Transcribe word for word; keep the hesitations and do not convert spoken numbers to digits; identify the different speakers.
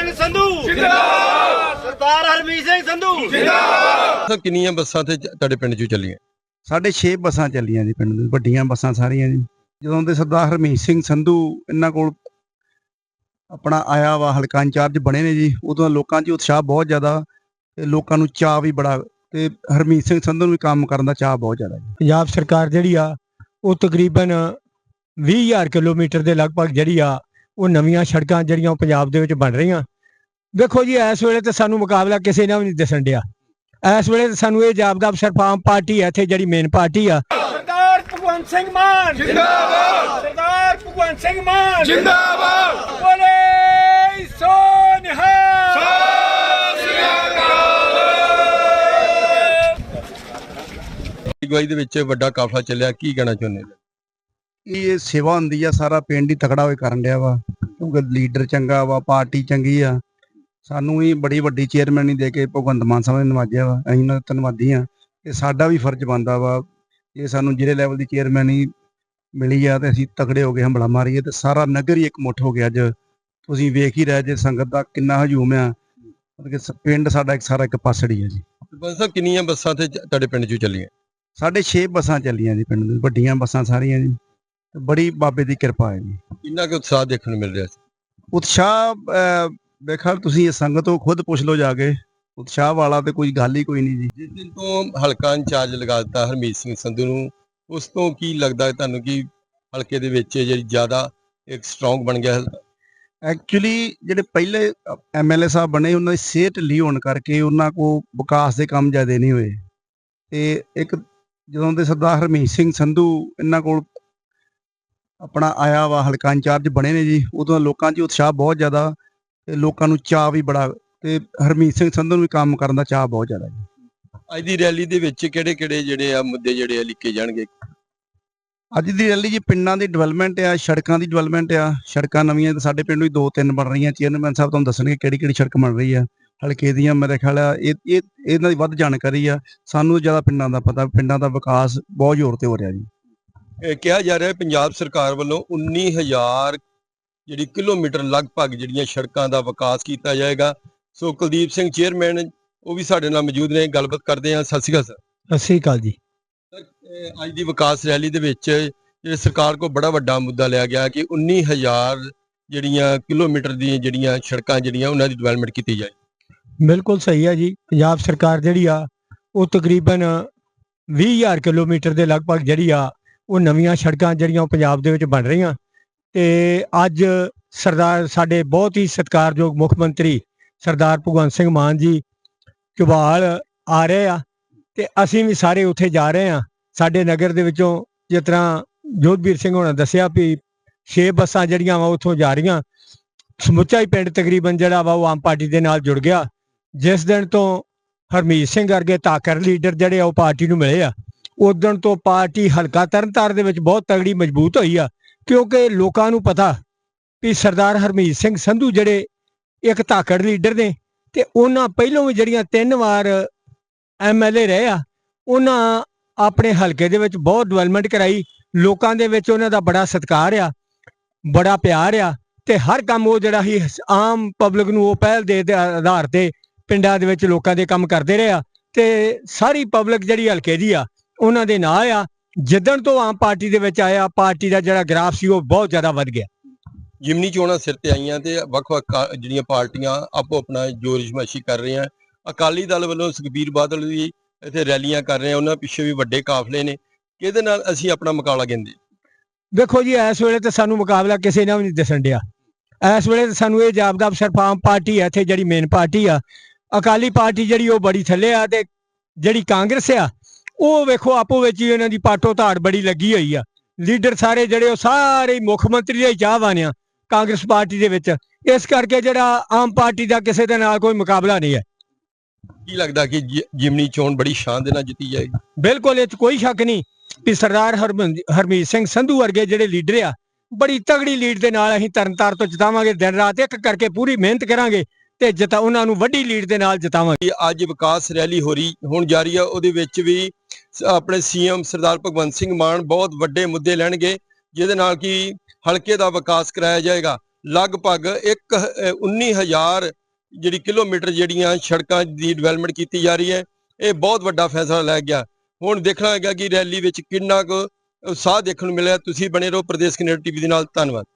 Speaker 1: ਸਿੰਘ ਸੰਧੂ ਜਿੰਦਾਬਾਦ, ਸਰਦਾਰ ਹਰਮੀਤ ਸਿੰਘ ਸੰਧੂ ਜਿੰਦਾਬਾਦ।
Speaker 2: ਕਿੰਨੀਆਂ ਬੱਸਾਂ ਤੇ ਤੁਹਾਡੇ ਪਿੰਡ ਚੋਂ ਚੱਲੀਆਂ?
Speaker 3: ਸਾਡੇ ਛੇ ਬੱਸਾਂ ਚੱਲੀਆਂ ਜੀ ਪਿੰਡ ਦੇ, ਵੱਡੀਆਂ ਬੱਸਾਂ ਸਾਰੀਆਂ ਜੀ। ਜਦੋਂ ਦੇ ਸਰਦਾਰ ਹਰਮੀਤ ਸਿੰਘ ਸੰਧੂ ਇਹਨਾਂ ਕੋਲ ਆਪਣਾ ਆਇਆ ਵਾ ਹਲਕਾ ਇੰਚਾਰਜ ਬਣੇ ਨੇ ਜੀ, ਉਦੋਂ ਲੋਕਾਂ 'ਚ ਉਤਸ਼ਾਹ ਬਹੁਤ ਜ਼ਿਆਦਾ ਤੇ ਲੋਕਾਂ ਨੂੰ ਚਾਅ ਵੀ ਬੜਾ, ਤੇ ਹਰਮੀਤ ਸਿੰਘ ਸੰਧੂ ਨੂੰ ਵੀ ਕੰਮ ਕਰਨ ਦਾ ਚਾਅ ਬਹੁਤ ਜ਼ਿਆਦਾ ਜੀ।
Speaker 4: ਪੰਜਾਬ ਸਰਕਾਰ ਜਿਹੜੀ ਆ ਉਹ ਤਕਰੀਬਨ ਵੀਹ ਹਜ਼ਾਰ ਕਿਲੋਮੀਟਰ ਦੇ ਲਗਭਗ ਜਿਹੜੀ ਆ ਉਹ ਨਵੀਆਂ ਸੜਕਾਂ ਜਿਹੜੀਆਂ ਉਹ ਪੰਜਾਬ ਦੇ ਵਿੱਚ ਬਣ ਰਹੀਆਂ। ਦੇਖੋ ਜੀ ਇਸ ਵੇਲੇ ਤੇ ਸਾਨੂੰ ਮੁਕਾਬਲਾ ਕਿਸੇ ਨਾਲ ਵੀ ਨਹੀਂ ਦਿਸਣ ਡਿਆ। ਇਸ ਵੇਲੇ ਸਾਨੂੰ ਇਹ ਜਾਪਦਾ ਸਿਰਫ ਆਮ ਪਾਰਟੀ ਹੈ ਇੱਥੇ ਜਿਹੜੀ ਮੇਨ ਪਾਰਟੀ ਆ।
Speaker 1: ਸਰਦਾਰ ਭਗਵੰਤ ਸਿੰਘ ਮਾਨ ਜਿੰਦਾਬਾਦ, ਸਰਦਾਰ ਭਗਵੰਤ ਸਿੰਘ ਮਾਨ ਜਿੰਦਾਬਾਦ, ਬੋਲੇ ਸੋ ਨਿਹਾਲ।
Speaker 2: ਅਗਵਾਈ ਦੇ ਵਿੱਚ ਵੱਡਾ ਕਾਫਲਾ ਚੱਲਿਆ, ਕੀ ਕਹਿਣਾ ਚਾਹੁੰਦੇ ਹੋ?
Speaker 3: ਇਹ ਸੇਵਾ ਹੁੰਦੀ ਆ, ਸਾਰਾ ਪਿੰਡ ਹੀ ਤਕੜਾ ਹੋਏ ਕਰਨ ਡਿਆ ਵਾ, ਕਿਉਂਕਿ ਲੀਡਰ ਚੰਗਾ ਵਾ, ਪਾਰਟੀ ਚੰਗੀ ਆ। ਸਾਨੂੰ ਵੀ ਬੜੀ ਵੱਡੀ ਚੇਅਰਮੈਨੀ ਦੇ ਕੇ ਭਗਵੰਤ ਮਾਨ ਸਾਹਿਬ ਨੇ ਨਵਾਜਿਆ ਵਾ, ਅਸੀਂ ਉਹਨਾਂ ਦੇ ਧੰਨਵਾਦੀ ਹਾਂ। ਤੇ ਸਾਡਾ ਵੀ ਫਰਜ਼ ਬਣਦਾ ਵਾ ਜੇ ਸਾਨੂੰ ਜਿਹੜੇ ਲੈਵਲ ਦੀ ਚੇਅਰਮੈਨੀ ਮਿਲੀ ਆ ਤੇ ਅਸੀਂ ਤਕੜੇ ਹੋ ਗਏ ਹੰਬਲਾ ਮਾਰੀਏ ਤੇ ਸਾਰਾ ਨਗਰ ਹੀ ਇੱਕ ਮੁੱਠ ਹੋ ਗਿਆ। ਅੱਜ ਤੁਸੀਂ ਵੇਖ ਹੀ ਰਹੇ ਜੇ ਸੰਗਤ ਦਾ ਕਿੰਨਾ ਹਜੂਮ ਆ, ਮਤਲਬ ਕਿ ਪਿੰਡ ਸਾਡਾ ਇੱਕ ਸਾਰਾ ਇੱਕ ਪਾਸੜੀ ਹੈ ਜੀ।
Speaker 2: ਬਸ ਕਿੰਨੀਆਂ ਬੱਸਾਂ ਤੇ ਤੁਹਾਡੇ ਪਿੰਡ ਚੋਂ ਚੱਲੀਆਂ?
Speaker 3: ਸਾਡੇ ਛੇ ਬੱਸਾਂ ਚੱਲੀਆਂ ਜੀ ਪਿੰਡ ਦੇ, ਵੱਡੀਆਂ ਬੱਸਾਂ ਸਾਰੀਆਂ ਜੀ। ਤੇ ਬੜੀ ਬਾਬੇ ਦੀ ਕਿਰਪਾ ਹੈ ਜੀ।
Speaker 2: ਕਿੰਨਾ ਕੁ ਉਤਸ਼ਾਹ ਦੇਖਣ ਨੂੰ ਮਿਲ ਰਿਹਾ ਸੀ?
Speaker 3: ਉਤਸ਼ਾਹ ਵੇਖਾ ਤੁਸੀਂ ਇਹ ਸੰਗਤ ਤੋਂ ਖੁਦ ਪੁੱਛ ਲਓ ਜਾ ਕੇ, ਉਤਸ਼ਾਹ ਵਾਲਾ ਤੇ ਕੋਈ ਗੱਲ ਹੀ ਕੋਈ ਨਹੀਂ ਜੀ।
Speaker 2: ਜਿਸ ਦਿਨ ਤੋਂ ਹਲਕਾ ਇੰਚਾਰਜ ਲਗਾ ਦਿੱਤਾ ਹਰਮੀਤ ਸਿੰਘ ਸੰਧੂ ਨੂੰ, ਉਸ ਤੋਂ ਕੀ ਲੱਗਦਾ ਤੁਹਾਨੂੰ ਕਿ ਹਲਕੇ ਦੇ ਵਿੱਚ ਜਿਹੜੀ ਜ਼ਿਆਦਾ ਇੱਕ ਸਟਰੋਂਗ ਬਣ ਗਿਆ?
Speaker 3: ਐਕਚੁਅਲੀ ਜਿਹੜੇ ਪਹਿਲੇ ਐਮ ਐਲ ਏ ਸਾਹਿਬ ਬਣੇ ਉਹਨਾਂ ਦੀ ਸਿਹਤ ਢਿੱਲੀ ਹੋਣ ਕਰਕੇ ਉਹਨਾਂ ਕੋਲ ਵਿਕਾਸ ਦੇ ਕੰਮ ਜ਼ਿਆਦਾ ਨਹੀਂ ਹੋਏ। ਤੇ ਇੱਕ ਜਦੋਂ ਦੇ ਸਰਦਾਰ ਹਰਮੀਤ ਸਿੰਘ ਸੰਧੂ ਇਹਨਾਂ ਕੋਲ ਆਪਣਾ ਆਇਆ ਵਾ ਹਲਕਾ ਇੰਚਾਰਜ ਬਣੇ ਨੇ ਜੀ, ਉਦੋਂ ਲੋਕਾਂ 'ਚ ਉਤਸ਼ਾਹ ਬਹੁਤ ਜ਼ਿਆਦਾ ਤੇ ਲੋਕਾਂ ਨੂੰ ਚਾਅ ਵੀ ਬੜਾ, ਤੇ ਹਰਮੀਤ ਸਿੰਘ ਸੰਧੂ ਨੂੰ ਵੀ ਕੰਮ ਕਰਨ ਦਾ ਚਾਅ ਬਹੁਤ ਜ਼ਿਆਦਾ ਜੀ।
Speaker 2: ਅੱਜ ਦੀ ਰੈਲੀ ਦੇ ਵਿੱਚ ਕਿਹੜੇ ਕਿਹੜੇ ਜਿਹੜੇ ਆ ਮੁੱਦੇ ਜਿਹੜੇ ਆ ਲਿਖੇ ਜਾਣਗੇ?
Speaker 3: ਅੱਜ ਦੀ ਰੈਲੀ ਜੀ ਪਿੰਡਾਂ ਦੀ ਡਿਵੈਲਪਮੈਂਟ ਆ, ਸੜਕਾਂ ਦੀ ਡਿਵੈਲਪਮੈਂਟ ਆ। ਸੜਕਾਂ ਨਵੀਆਂ ਤਾਂ ਸਾਡੇ ਪਿੰਡ ਵੀ ਦੋ ਤਿੰਨ ਬਣ ਰਹੀਆਂ। ਚੇਅਰਮੈਨ ਸਾਹਿਬ ਤੁਹਾਨੂੰ ਦੱਸਣਗੇ ਕਿਹੜੀ ਕਿਹੜੀ ਸੜਕ ਬਣ ਰਹੀ ਆ ਹਲਕੇ ਦੀਆਂ। ਮੇਰੇ ਖਿਆਲ ਆ ਇਹ ਇਹ ਇਹਨਾਂ ਦੀ ਵੱਧ ਜਾਣਕਾਰੀ ਆ, ਸਾਨੂੰ ਜ਼ਿਆਦਾ ਪਿੰਡਾਂ ਦਾ ਪਤਾ। ਪਿੰਡਾਂ ਦਾ ਵਿਕਾਸ ਬਹੁਤ ਜ਼ੋਰ ਤੇ ਹੋ ਰਿਹਾ ਜੀ।
Speaker 2: ਇਹ ਕਿਹਾ ਜਾ ਰਿਹਾ ਪੰਜਾਬ ਸਰਕਾਰ ਵੱਲੋਂ ਉੱਨੀ ਹਜ਼ਾਰ ਜਿਹੜੀ ਕਿਲੋਮੀਟਰ ਲਗਭਗ ਜਿਹੜੀਆਂ ਸੜਕਾਂ ਦਾ ਵਿਕਾਸ ਕੀਤਾ ਜਾਏਗਾ। ਸੋ ਕੁਲਦੀਪ ਸਿੰਘ ਚੇਅਰਮੈਨ ਉਹ ਵੀ ਸਾਡੇ ਨਾਲ ਮੌਜੂਦ ਨੇ, ਗੱਲਬਾਤ ਕਰਦੇ ਹਾਂ। ਸਤਿ ਸ਼੍ਰੀ ਅਕਾਲ ਸਰ।
Speaker 4: ਸਤਿ ਸ੍ਰੀ ਅਕਾਲ ਜੀ।
Speaker 2: ਅੱਜ ਦੀ ਵਿਕਾਸ ਰੈਲੀ ਦੇ ਵਿੱਚ ਜਿਹੜੇ ਸਰਕਾਰ ਕੋਲ ਬੜਾ ਵੱਡਾ ਮੁੱਦਾ ਲਿਆ ਗਿਆ ਕਿ ਉੱਨੀ ਹਜ਼ਾਰ ਜਿਹੜੀਆਂ ਕਿਲੋਮੀਟਰ ਦੀਆਂ ਜਿਹੜੀਆਂ ਸੜਕਾਂ ਜਿਹੜੀਆਂ ਉਹਨਾਂ ਦੀ ਡਿਵੈਲਪਮੈਂਟ ਕੀਤੀ ਜਾਏ।
Speaker 4: ਬਿਲਕੁਲ ਸਹੀ ਹੈ ਜੀ। ਪੰਜਾਬ ਸਰਕਾਰ ਜਿਹੜੀ ਆ ਉਹ ਤਕਰੀਬਨ ਵੀਹ ਹਜ਼ਾਰ ਕਿਲੋਮੀਟਰ ਦੇ ਲਗਭਗ ਜਿਹੜੀ ਆ ਉਹ ਨਵੀਆਂ ਸੜਕਾਂ ਜਿਹੜੀਆਂ ਉਹ ਪੰਜਾਬ ਦੇ ਵਿੱਚ ਬਣ ਰਹੀਆਂ। ਤੇ ਅੱਜ ਸਰਦਾਰ ਸਾਡੇ ਬਹੁਤ ਹੀ ਸਤਿਕਾਰਯੋਗ ਮੁੱਖ ਮੰਤਰੀ ਸਰਦਾਰ ਭਗਵੰਤ ਸਿੰਘ ਮਾਨ ਜੀ ਝਬਾਲ ਆ ਰਹੇ ਆ ਤੇ ਅਸੀਂ ਵੀ ਸਾਰੇ ਉੱਥੇ ਜਾ ਰਹੇ ਆ। ਸਾਡੇ ਨਗਰ ਦੇ ਵਿੱਚੋਂ ਜਿਸ ਤਰ੍ਹਾਂ ਜੋਧਵੀਰ ਸਿੰਘ ਹੋਣਾ ਦੱਸਿਆ ਵੀ ਛੇ ਬੱਸਾਂ ਜਿਹੜੀਆਂ ਵਾ ਉੱਥੋਂ ਜਾ ਰਹੀਆਂ। ਸਮੁੱਚਾ ਹੀ ਪਿੰਡ ਤਕਰੀਬਨ ਜਿਹੜਾ ਵਾ ਉਹ ਆਮ ਪਾਰਟੀ ਦੇ ਨਾਲ ਜੁੜ ਗਿਆ। ਜਿਸ ਦਿਨ ਤੋਂ ਹਰਮੀਤ ਸਿੰਘ ਵਰਗੇ ਤਾਕਰ ਲੀਡਰ ਜਿਹੜੇ ਆ ਉਹ ਪਾਰਟੀ ਨੂੰ ਮਿਲੇ ਆ, ਉਸ ਦਿਨ ਤੋਂ ਪਾਰਟੀ ਹਲਕਾ ਤਰਨਤਾਰਨ ਦੇ ਵਿੱਚ ਬਹੁਤ ਤਗੜੀ ਮਜ਼ਬੂਤ ਹੋਈ ਆ। ਕਿਉਂਕਿ ਲੋਕਾਂ ਨੂੰ ਪਤਾ ਵੀ ਸਰਦਾਰ ਹਰਮੀਤ ਸਿੰਘ ਸੰਧੂ ਜਿਹੜੇ ਇੱਕ ਤਾਕੜ ਲੀਡਰ ਨੇ ਤੇ ਉਹਨਾਂ ਪਹਿਲੋਂ ਵੀ ਜਿਹੜੀਆਂ ਤਿੰਨ ਵਾਰ ਐਮ ਐਲ ਏ ਰਹੇ ਆ, ਉਹਨਾਂ ਆਪਣੇ ਹਲਕੇ ਦੇ ਵਿੱਚ ਬਹੁਤ ਡਿਵੈਲਪਮੈਂਟ ਕਰਾਈ। ਲੋਕਾਂ ਦੇ ਵਿੱਚ ਉਹਨਾਂ ਦਾ ਬੜਾ ਸਤਿਕਾਰ ਆ, ਬੜਾ ਪਿਆਰ ਆ ਤੇ ਹਰ ਕੰਮ ਉਹ ਜਿਹੜਾ ਹੀ ਆਮ ਪਬਲਿਕ ਨੂੰ ਉਹ ਪਹਿਲ ਦੇ ਆਧਾਰ ਤੇ ਪਿੰਡਾਂ ਦੇ ਵਿੱਚ ਲੋਕਾਂ ਦੇ ਕੰਮ ਕਰਦੇ ਰਹੇ ਆ। ਤੇ ਸਾਰੀ ਪਬਲਿਕ ਜਿਹੜੀ ਹਲਕੇ ਦੀ ਆ ਉਹਨਾਂ ਦੇ ਨਾਲ ਆ। ਜਿੱਦਣ ਤੋਂ ਆਮ ਪਾਰਟੀ ਦੇ ਵਿੱਚ ਆਇਆ, ਪਾਰਟੀ ਦਾ ਜਿਹੜਾ ਗ੍ਰਾਫ ਸੀ ਉਹ ਬਹੁਤ ਜ਼ਿਆਦਾ ਵੱਧ ਗਿਆ।
Speaker 2: ਜਿਮਨੀ ਚੋਣਾਂ ਸਿਰ ਤੇ ਆਈਆਂ ਤੇ ਵੱਖ-ਵੱਖ ਜਿਹੜੀਆਂ ਪਾਰਟੀਆਂ ਆਪੋ ਆਪਣਾ ਜ਼ੋਰ ਅਜ਼ਮਾਇਸ਼ੀ ਕਰ ਰਹੀਆਂ। ਅਕਾਲੀ ਦਲ ਵੱਲੋਂ ਸੁਖਬੀਰ ਬਾਦਲ ਵੀ ਇੱਥੇ ਰੈਲੀਆਂ ਕਰ ਰਹੇ ਆ, ਉਹਨਾਂ ਪਿੱਛੇ ਵੀ ਵੱਡੇ ਕਾਫਲੇ ਨੇ। ਕਿਹਦੇ ਨਾਲ ਅਸੀਂ ਆਪਣਾ ਮੁਕਾਬਲਾ ਕਹਿੰਦੇ?
Speaker 4: ਦੇਖੋ ਜੀ ਇਸ ਵੇਲੇ ਤੇ ਸਾਨੂੰ ਮੁਕਾਬਲਾ ਕਿਸੇ ਨਾਲ ਵੀ ਨਹੀਂ ਦਿਸਣ ਡਿਆ। ਇਸ ਵੇਲੇ ਸਾਨੂੰ ਇਹ ਜਾਪਦਾ ਸਿਰਫ ਆਮ ਪਾਰਟੀ ਹੈ ਇੱਥੇ ਜਿਹੜੀ ਮੇਨ ਪਾਰਟੀ ਆ। ਅਕਾਲੀ ਪਾਰਟੀ ਜਿਹੜੀ ਉਹ ਬੜੀ ਥੱਲੇ ਆ ਤੇ ਜਿਹੜੀ ਕਾਂਗਰਸ ਆ ਉਹ ਵੇਖੋ ਆਪੋ ਵਿੱਚ ਹੀ ਇਹਨਾਂ ਦੀ ਪਾਟੋ ਧਾੜ ਬੜੀ ਲੱਗੀ ਹੋਈ ਆ। ਲੀਡਰ ਸਾਰੇ ਜਿਹੜੇ ਉਹ ਸਾਰੇ ਮੁੱਖ ਮੰਤਰੀ ਦੇ ਚਾਹਵਾਨ ਆ ਕਾਂਗਰਸ ਪਾਰਟੀ ਦੇ ਵਿੱਚ। ਇਸ ਕਰਕੇ ਜਿਹੜਾ ਆਮ ਪਾਰਟੀ ਦਾ ਕਿਸੇ ਦੇ ਨਾਲ ਕੋਈ ਮੁਕਾਬਲਾ ਨਹੀਂ ਹੈ।
Speaker 2: ਕੀ ਲੱਗਦਾ ਕਿ ਜਿਮਨੀ ਚੋਣ ਬੜੀ ਸ਼ਾਨ ਦੇ ਨਾਲ ਜਿੱਤੀ ਜਾਏਗੀ?
Speaker 4: ਬਿਲਕੁਲ ਇਹ 'ਚ ਕੋਈ ਸ਼ੱਕ ਨਹੀਂ ਵੀ ਸਰਦਾਰ ਹਰਮੀਤ ਸਿੰਘ ਸੰਧੂ ਵਰਗੇ ਜਿਹੜੇ ਲੀਡਰ ਆ ਬੜੀ ਤਗੜੀ ਲੀਡ ਦੇ ਨਾਲ ਅਸੀਂ ਤਰਨਤਾਰਨ ਤੋਂ ਜਿਤਾਵਾਂਗੇ। ਦਿਨ ਰਾਤ ਇੱਕ ਕਰਕੇ ਪੂਰੀ ਮਿਹਨਤ ਕਰਾਂਗੇ ਤੇ ਜਿਤਾ ਉਹਨਾਂ ਨੂੰ ਵੱਡੀ ਲੀਡ ਦੇ ਨਾਲ ਜਿਤਾਵਾਂਗੇ।
Speaker 2: ਅੱਜ ਵਿਕਾਸ ਰੈਲੀ ਹੋ ਰਹੀ ਹੁਣ ਜਾਰੀ ਆ, ਉਹਦੇ ਵਿੱਚ ਵੀ ਆਪਣੇ ਸੀਐਮ ਸਰਦਾਰ ਭਗਵੰਤ ਸਿੰਘ ਮਾਨ ਬਹੁਤ ਵੱਡੇ ਮੁੱਦੇ ਲੈਣਗੇ ਜਿਹਦੇ ਨਾਲ ਕਿ ਹਲਕੇ ਦਾ ਵਿਕਾਸ ਕਰਾਇਆ ਜਾਏਗਾ। ਲਗਭਗ ਇੱਕ ਉੱਨੀ ਹਜ਼ਾਰ ਜਿਹੜੀ ਕਿਲੋਮੀਟਰ ਜਿਹੜੀਆਂ ਸੜਕਾਂ ਦੀ ਡਿਵੈਲਪਮੈਂਟ ਕੀਤੀ ਜਾ ਰਹੀ ਹੈ। ਇਹ ਬਹੁਤ ਵੱਡਾ ਫੈਸਲਾ ਲੈ ਗਿਆ। ਹੁਣ ਦੇਖਣਾ ਹੈਗਾ ਕਿ ਰੈਲੀ ਵਿੱਚ ਕਿੰਨਾ ਕੁ ਉਤਸ਼ਾਹ ਦੇਖਣ ਨੂੰ ਮਿਲਿਆ। ਤੁਸੀਂ ਬਣੇ ਰਹੋ ਪ੍ਰਦੇਸ਼ ਕੈਨੇਡਾ ਟੀਵੀ ਦੇ ਨਾਲ। ਧੰਨਵਾਦ।